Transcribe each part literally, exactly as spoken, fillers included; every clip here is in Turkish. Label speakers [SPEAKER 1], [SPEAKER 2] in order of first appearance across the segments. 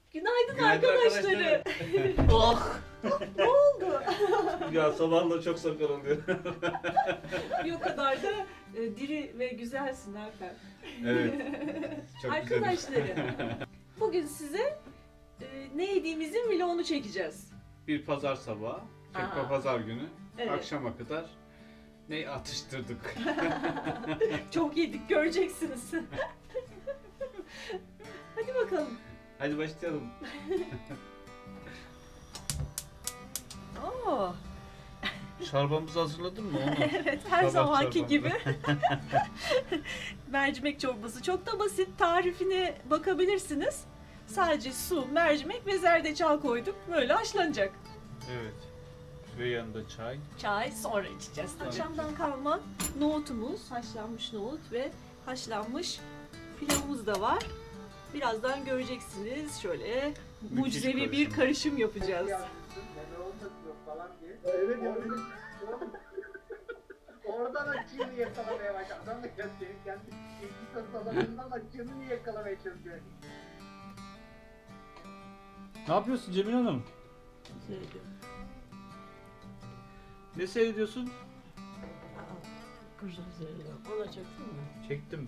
[SPEAKER 1] Günaydın,
[SPEAKER 2] Günaydın
[SPEAKER 1] arkadaşları. Oh. Ne oldu?
[SPEAKER 2] Ya sabahla çok sakar oluyor.
[SPEAKER 1] Bir o kadar da e, diri ve güzelsin Alper.
[SPEAKER 2] Evet. Çok
[SPEAKER 1] Arkadaşlarım, bugün size e, ne yediğimizin vlogunu çekeceğiz.
[SPEAKER 2] Bir pazar sabahı, tekrar
[SPEAKER 1] Aa.
[SPEAKER 2] pazar günü,
[SPEAKER 1] Evet.
[SPEAKER 2] akşama kadar ne atıştırdık.
[SPEAKER 1] Çok yedik, göreceksiniz. Hadi bakalım.
[SPEAKER 2] Hadi başlayalım.
[SPEAKER 1] Oo.
[SPEAKER 2] Çorbamızı hazırladın mı onu?
[SPEAKER 1] Evet, her
[SPEAKER 2] Sabah
[SPEAKER 1] zamanki
[SPEAKER 2] çorbamızı.
[SPEAKER 1] gibi. Mercimek çorbası. Çok da basit. Tarifine bakabilirsiniz. Sadece su, mercimek ve zerdeçal koyduk. Böyle haşlanacak.
[SPEAKER 2] Evet. Ve yanında çay.
[SPEAKER 1] Çay sonra içeceğiz.
[SPEAKER 2] Tabii.
[SPEAKER 1] Akşamdan kalma nohutumuz, haşlanmış nohut ve haşlanmış pilavımız da var. Birazdan göreceksiniz. Şöyle mucizevi
[SPEAKER 2] karışım.
[SPEAKER 1] bir karışım yapacağız.
[SPEAKER 3] Evet evet. Oradan açığını yakalamaya başladı. Adam da kendi kendi kendi alanından açığını yakalamaya çalışıyor.
[SPEAKER 4] Ne yapıyorsun Cemil Hanım? Ne seyrediyorsun?
[SPEAKER 5] Kızım seyrediyor. Ona çektin mi?
[SPEAKER 4] Çektim.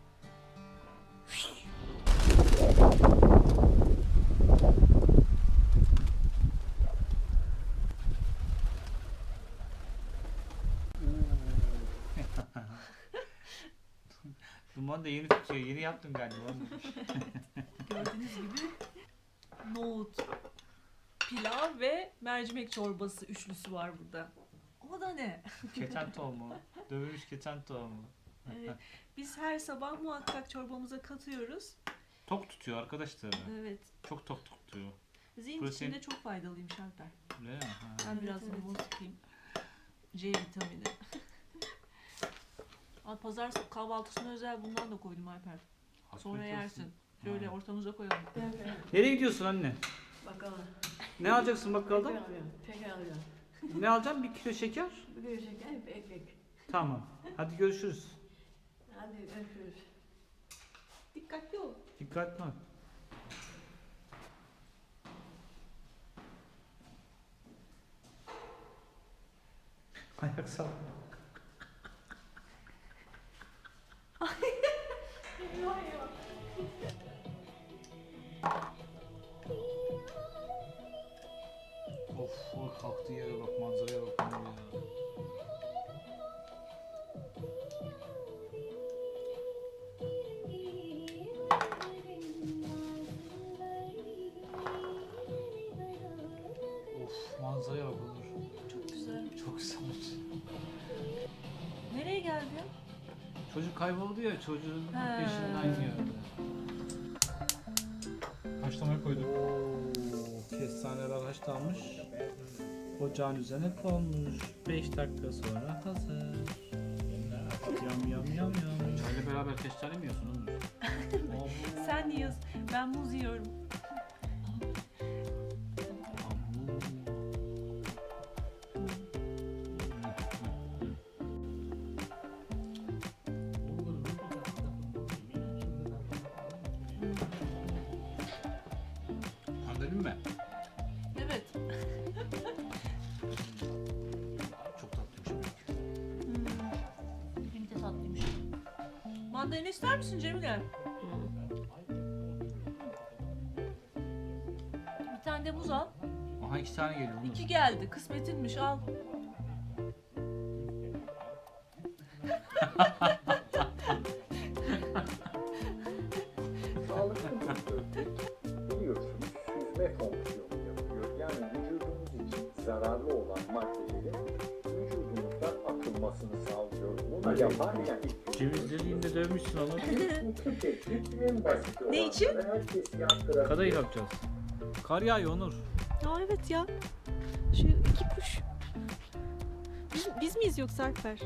[SPEAKER 4] Duman da yeni tutuyor. Yeni yaptın galiba.
[SPEAKER 1] Gördüğünüz gibi nohut, pilav ve mercimek çorbası üçlüsü var burada. O da ne?
[SPEAKER 4] Keten tohumu. Dövülmüş keten tohumu.
[SPEAKER 1] Evet, biz her sabah muhakkak çorbamıza katıyoruz.
[SPEAKER 4] Tok tutuyor arkadaşlar.
[SPEAKER 1] Evet.
[SPEAKER 4] Çok tok tutuyor.
[SPEAKER 1] Zihin
[SPEAKER 4] Protein-
[SPEAKER 1] için de çok faydalıymış Alper.
[SPEAKER 4] Öyle mi? Ha.
[SPEAKER 1] Ben
[SPEAKER 5] Evet,
[SPEAKER 1] biraz
[SPEAKER 5] evet.
[SPEAKER 1] limon sıkayım. C vitamini. Al pazar kahvaltısına özel bundan da koydum Alper. Sonra
[SPEAKER 4] Afiyet olsun.
[SPEAKER 1] yersin. Şöyle
[SPEAKER 4] Ha.
[SPEAKER 1] ortamıza koyalım.
[SPEAKER 4] Nereye gidiyorsun anne?
[SPEAKER 5] Bakalım.
[SPEAKER 4] Ne alacaksın
[SPEAKER 5] Şeker
[SPEAKER 4] bakkalda?
[SPEAKER 5] alıyorum. Şeker alıyorum.
[SPEAKER 4] Ne alacaksın? Bir kilo şeker.
[SPEAKER 5] Bir kilo şeker, bir ekmek.
[SPEAKER 4] Tamam. Hadi görüşürüz.
[SPEAKER 5] Hadi görüşürüz.
[SPEAKER 1] Dikkatli ol.
[SPEAKER 4] Dikkatli ol. Ayak sağ. Of, o kalktığı yere bak, manzaraya bak ya. Of, manzaraya bak Onur.
[SPEAKER 1] Çok güzel.
[SPEAKER 4] Çok güzel.
[SPEAKER 1] Nereye geldin?
[SPEAKER 4] Çocuk kayboldu ya, çocuğun
[SPEAKER 1] He.
[SPEAKER 4] peşinden geldi. Haşlamaya koyduk. Oo, kestaneler haşlanmış. Ocağın üzerine konmuş. beş dakika sonra hazır. Yam yam yam yam. Çayla beraber kestane mi yiyorsun Onur?
[SPEAKER 1] Sen yiyorsun. Ben muz yiyorum.
[SPEAKER 4] Mandalin mi?
[SPEAKER 1] Evet.
[SPEAKER 4] Çok tatlıymış.
[SPEAKER 1] Hmm. Benim de tatlıymış. Mandalina ister misin Cemile? Bir tane de muz al.
[SPEAKER 4] Aha iki tane geliyor Onur.
[SPEAKER 1] İki geldi. Kısmetinmiş al.
[SPEAKER 3] Sağlıklı bir böbrek biliyorsunuz süzme fonksiyonu yapıyor. Yani vücudumuz için zararlı olan maddelerin vücudumuzdan atılmasını sağlıyor. Bunu yaparken
[SPEAKER 4] Cevizleriyle dövmüşsün Onur.
[SPEAKER 3] iki teknik en basit olan.
[SPEAKER 1] Ne için?
[SPEAKER 3] Herkes yaptıran.
[SPEAKER 4] Kadayıf yapacağız. Kar yağıyor Onur.
[SPEAKER 1] Aa evet ya. Şu iki kuş. Biz, biz miyiz yoksa Alper?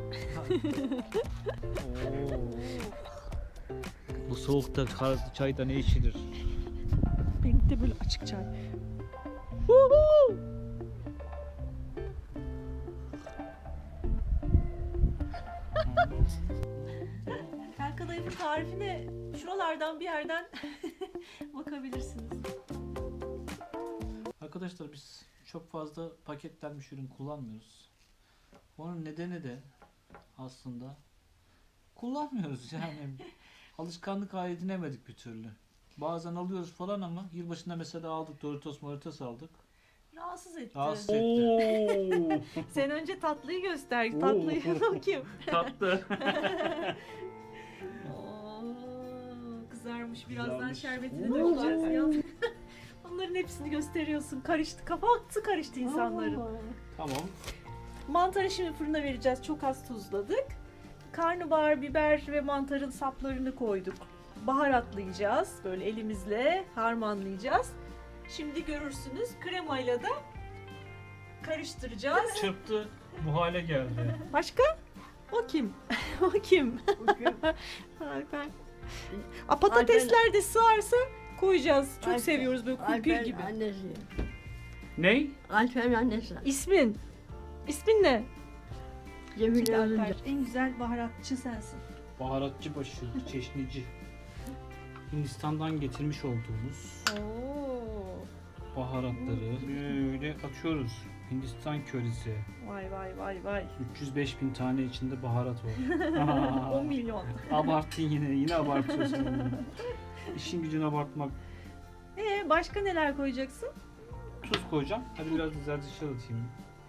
[SPEAKER 4] Bu soğukta kar çayda ne içilir?
[SPEAKER 1] Benim de böyle açık çay. Tel kadayıfın tarifine şuralardan bir yerden bakabilirsiniz.
[SPEAKER 4] arkadaşlar biz çok fazla paketlenmiş ürün kullanmıyoruz. Onun nedeni de aslında kullanmıyoruz yani. Alışkanlık haline edinemedik bir türlü. Bazen alıyoruz falan ama yılbaşında mesela aldık Doritos Moritos aldık.
[SPEAKER 1] Rahatsız etti.
[SPEAKER 4] Rahatsız etti.
[SPEAKER 1] Sen önce tatlıyı göster.
[SPEAKER 4] Oo.
[SPEAKER 1] Tatlıyı bakayım.
[SPEAKER 4] Tatlı.
[SPEAKER 1] Oo, kızarmış. Birazdan
[SPEAKER 4] Kızarmış.
[SPEAKER 1] şerbetini
[SPEAKER 5] Oo.
[SPEAKER 1] dökeceğiz. Yalnız onların hepsini gösteriyorsun. Karıştı. Kafası karıştı insanların.
[SPEAKER 4] Tamam.
[SPEAKER 1] Mantarı şimdi fırına vereceğiz. Çok az tuzladık. Karnabahar, biber ve mantarın saplarını koyduk. Baharatlayacağız. Böyle elimizle harmanlayacağız. Şimdi görürsünüz. Kremayla da karıştıracağız.
[SPEAKER 4] Çırptı. Bu hale geldi.
[SPEAKER 1] Başka? O kim? O kim? Alper. A, patatesler de sığarsa koyacağız. Çok
[SPEAKER 5] Alper-
[SPEAKER 1] seviyoruz böyle kumpir
[SPEAKER 5] Alper'in
[SPEAKER 1] gibi.
[SPEAKER 5] annesi.
[SPEAKER 4] Ney?
[SPEAKER 5] Alper'in annesi.
[SPEAKER 1] İsmin? İsmin ne?
[SPEAKER 5] Cemile Özünce.
[SPEAKER 1] Alper. En güzel baharatçı sensin.
[SPEAKER 4] Baharatçı başı, çeşnici. Hindistan'dan getirmiş olduğumuz
[SPEAKER 1] Oo.
[SPEAKER 4] baharatları böyle atıyoruz. Hindistan körisi.
[SPEAKER 1] Vay vay vay vay.
[SPEAKER 4] üç yüz beş bin tane içinde baharat var.
[SPEAKER 1] on milyon.
[SPEAKER 4] Abarttın yine, yine abartıyorsun. İşin gücünü abartmak.
[SPEAKER 1] Ee, başka neler koyacaksın?
[SPEAKER 4] Tuz koyacağım. Hadi biraz da zerdeçal atayım.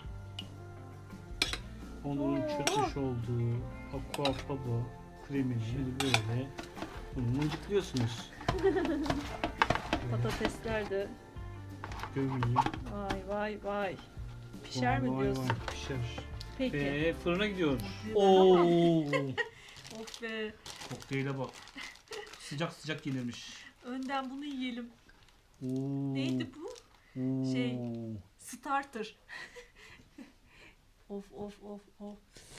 [SPEAKER 4] Onun
[SPEAKER 1] Oo.
[SPEAKER 4] çırpmış olduğu aquafaba kremini böyle bunu mıncıklıyorsunuz.
[SPEAKER 1] Patatesler de.
[SPEAKER 4] Gömeyim.
[SPEAKER 1] Vay vay vay. Pişer mi
[SPEAKER 4] Vay vay
[SPEAKER 1] diyorsun?
[SPEAKER 4] vay, pişer.
[SPEAKER 1] Peki.
[SPEAKER 4] Ve fırına gidiyoruz.
[SPEAKER 1] Oo.
[SPEAKER 4] Oo.
[SPEAKER 1] Of be.
[SPEAKER 4] Kokteyle bak. Sıcak sıcak yenilmiş.
[SPEAKER 1] Önden bunu yiyelim.
[SPEAKER 4] Oo.
[SPEAKER 1] Neydi bu?
[SPEAKER 4] Oo.
[SPEAKER 1] Şey. Starter. Of of of of.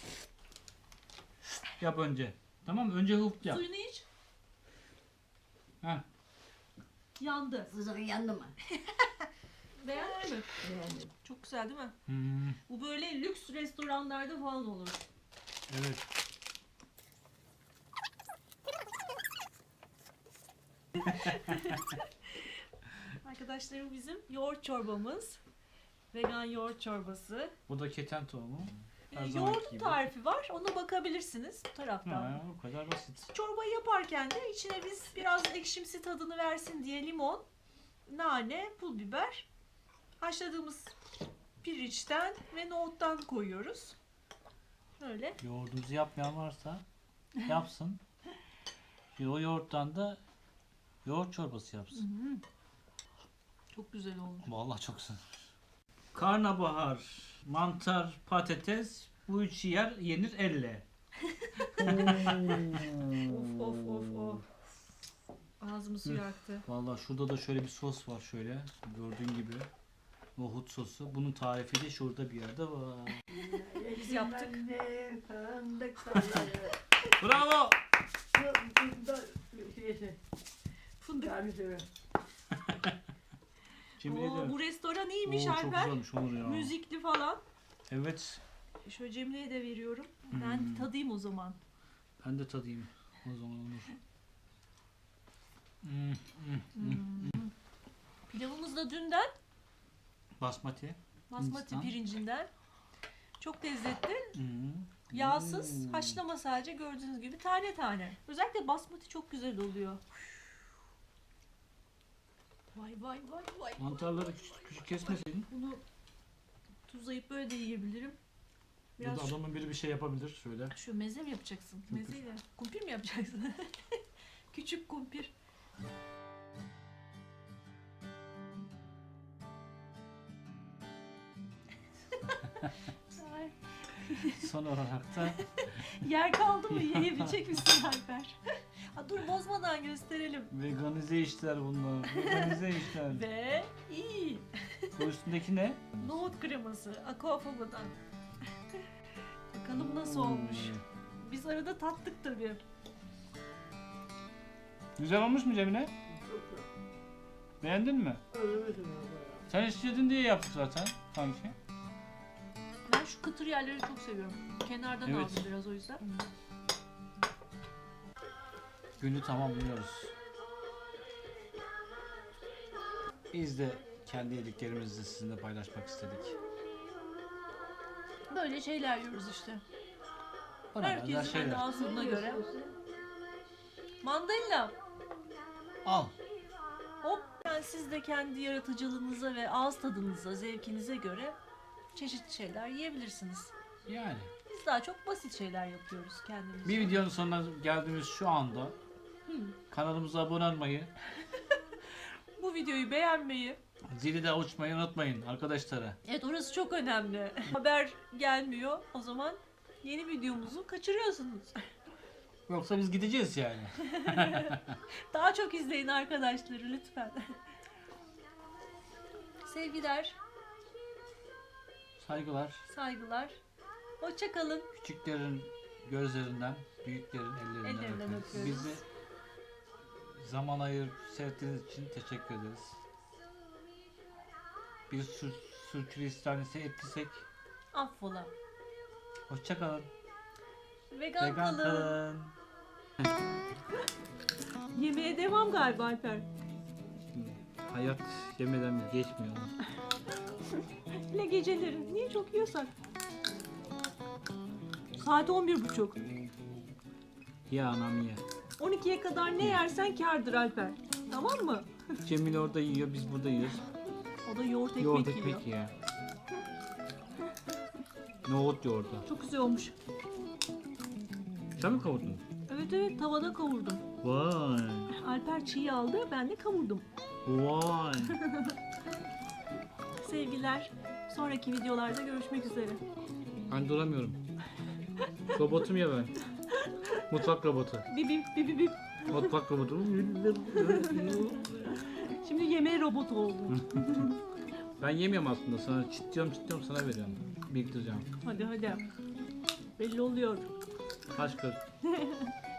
[SPEAKER 4] Yap önce. Tamam mı? Önce hıft yap.
[SPEAKER 1] Suyunu iç.
[SPEAKER 4] Heh.
[SPEAKER 1] Yandı.
[SPEAKER 5] Fızığı yandı mı?
[SPEAKER 1] Beğendin mi?
[SPEAKER 5] Beğendim.
[SPEAKER 1] Çok güzel değil mi?
[SPEAKER 4] Hmm.
[SPEAKER 1] Bu böyle lüks restoranlarda falan olur.
[SPEAKER 4] Evet.
[SPEAKER 1] Arkadaşlarım bizim yoğurt çorbamız. Vegan yoğurt çorbası.
[SPEAKER 4] Bu da keten tohumu. Her
[SPEAKER 1] Ee,
[SPEAKER 4] zamanki
[SPEAKER 1] yoğurdun
[SPEAKER 4] gibi.
[SPEAKER 1] tarifi var. Ona bakabilirsiniz bu taraftan.
[SPEAKER 4] Ha, o kadar basit.
[SPEAKER 1] Çorbayı yaparken de içine biz biraz ekşimsi tadını versin diye limon, nane, pul biber, haşladığımız pirinçten ve nohuttan koyuyoruz. Öyle.
[SPEAKER 4] Yoğurdunuzu yapmayan varsa yapsın. O yoğurttan da yoğurt çorbası yapsın.
[SPEAKER 1] Çok güzel olmuş.
[SPEAKER 4] Vallahi çok güzel. Karnabahar, mantar, patates bu üçü yer yenir elle.
[SPEAKER 1] Of of of of. Ağzımı su yaktı.
[SPEAKER 4] Vallahi şurada da şöyle bir sos var şöyle gördüğün gibi. Nohut sosu. Bunun tarifi de şurada bir yerde var.
[SPEAKER 1] Biz yaptık.
[SPEAKER 4] Bravo!
[SPEAKER 1] Fındık.
[SPEAKER 4] Cemile
[SPEAKER 1] Oo,
[SPEAKER 4] de.
[SPEAKER 1] bu restoran iyiymiş
[SPEAKER 4] Oo, çok
[SPEAKER 1] Alper.
[SPEAKER 4] güzelmiş Onur ya.
[SPEAKER 1] Müzikli falan.
[SPEAKER 4] Evet.
[SPEAKER 1] Şöyle Cemile'ye de veriyorum.
[SPEAKER 4] Hmm.
[SPEAKER 1] Ben tadayım o zaman.
[SPEAKER 4] Ben de tadayım o zaman Onur. Hmm, hmm, hmm.
[SPEAKER 1] Pilavımız da dünden.
[SPEAKER 4] Basmati.
[SPEAKER 1] Basmati
[SPEAKER 4] Hindistan.
[SPEAKER 1] pirincinden. Çok lezzetli.
[SPEAKER 4] Hmm.
[SPEAKER 1] Yağsız,
[SPEAKER 4] Hmm.
[SPEAKER 1] haşlama sadece gördüğünüz gibi tane tane. Özellikle basmati çok güzel oluyor. Vay vay vay vay.
[SPEAKER 4] Mantarları küçük küçük kesmeseydin.
[SPEAKER 1] Bunu tuzlayıp böyle de yiyebilirim.
[SPEAKER 4] Ya
[SPEAKER 1] Biraz
[SPEAKER 4] da adamın biri bir şey yapabilir şöyle.
[SPEAKER 1] şu meze mi yapacaksın?
[SPEAKER 4] Kumpir.
[SPEAKER 1] Mezeyle. Kumpir mi yapacaksın? Küçük kumpir. Ay,
[SPEAKER 4] Son olarak da
[SPEAKER 1] yer kaldı mı? Yiyebilecek misin Alper? Ha, dur bozmadan gösterelim.
[SPEAKER 4] veganize işler bunlar. Veganize işler.
[SPEAKER 1] Ve iyi.
[SPEAKER 4] Bu üstündeki ne?
[SPEAKER 1] Nohut kreması. Aquafaba'dan. Bakalım nasıl olmuş. Biz arada tattık tabii.
[SPEAKER 4] Güzel olmuş mu Cemile? Beğendin mi? Sen istedin diye yaptık zaten sanki.
[SPEAKER 1] Ben şu kıtır yerleri çok seviyorum. Kenardan
[SPEAKER 4] Evet.
[SPEAKER 1] aldım biraz o yüzden.
[SPEAKER 4] Günü tamamlıyoruz. Biz de kendi yediklerimizi de sizinle paylaşmak istedik.
[SPEAKER 1] Böyle şeyler yiyoruz işte.
[SPEAKER 4] Bana benzer
[SPEAKER 1] Herkesin kendi
[SPEAKER 4] şeyler.
[SPEAKER 1] ağzına göre. Mandalina.
[SPEAKER 4] Al.
[SPEAKER 1] Hop. Yani siz de kendi yaratıcılığınıza ve ağız tadınıza, zevkinize göre çeşitli şeyler yiyebilirsiniz.
[SPEAKER 4] Yani.
[SPEAKER 1] Biz daha çok basit şeyler yapıyoruz kendimiz.
[SPEAKER 4] Bir videonun sonuna geldiğimiz şu anda kanalımıza abone olmayı,
[SPEAKER 1] Bu videoyu beğenmeyi.
[SPEAKER 4] zili de açmayı unutmayın arkadaşlara.
[SPEAKER 1] Evet, orası çok önemli. Haber gelmiyor. O zaman yeni videomuzu kaçırıyorsunuz.
[SPEAKER 4] Yoksa biz gideceğiz yani.
[SPEAKER 1] Daha çok izleyin arkadaşları lütfen. Sevgiler,
[SPEAKER 4] Saygılar.
[SPEAKER 1] saygılar. Hoşça kalın.
[SPEAKER 4] Küçüklerin gözlerinden, büyüklerin ellerinden,
[SPEAKER 1] Ellerinden
[SPEAKER 4] öpüyoruz.
[SPEAKER 1] öpüyoruz.
[SPEAKER 4] Bizi zaman ayırıp seyrettiğiniz için teşekkür ederiz. Bir sür sürçülisan ise ettiysek
[SPEAKER 1] Affola.
[SPEAKER 4] hoşça kalın.
[SPEAKER 1] Vegan,
[SPEAKER 4] Vegan
[SPEAKER 1] kalın.
[SPEAKER 4] kalın.
[SPEAKER 1] Yemeğe devam galiba Alper.
[SPEAKER 4] Hayat yemeden geçmiyor.
[SPEAKER 1] Hele geceleri. Niye çok yiyorsak? Saat on bir buçuk.
[SPEAKER 4] Ya anam ye.
[SPEAKER 1] on ikiye kadar ne yersen kârdır Alper. Tamam mı?
[SPEAKER 4] Cemil orada yiyor, biz burada yiyoruz.
[SPEAKER 1] O da yoğurt ekmek
[SPEAKER 4] Yoğurt
[SPEAKER 1] yiyor.
[SPEAKER 4] ekmek ya. Nohut yoğurdu.
[SPEAKER 1] Çok güzel olmuş.
[SPEAKER 4] Sen mi kavurdun?
[SPEAKER 1] Evet evet, tavada kavurdum.
[SPEAKER 4] Vay.
[SPEAKER 1] Alper çiğ aldı, ben de kavurdum.
[SPEAKER 4] Vay.
[SPEAKER 1] Sevgiler. Sonraki videolarda görüşmek üzere.
[SPEAKER 4] Ben duramıyorum. Robotum ya ben. Mutfak robotu.
[SPEAKER 1] Bip bip bip bip bip.
[SPEAKER 4] Mutfak robotu.
[SPEAKER 1] Şimdi yemeğe robot oldum.
[SPEAKER 4] Ben yemiyorum aslında. Sana çitliyorum çitliyorum sana veriyorum. Biriktireceğim.
[SPEAKER 1] Hadi hadi. Belli oluyor.
[SPEAKER 4] Kaç kız?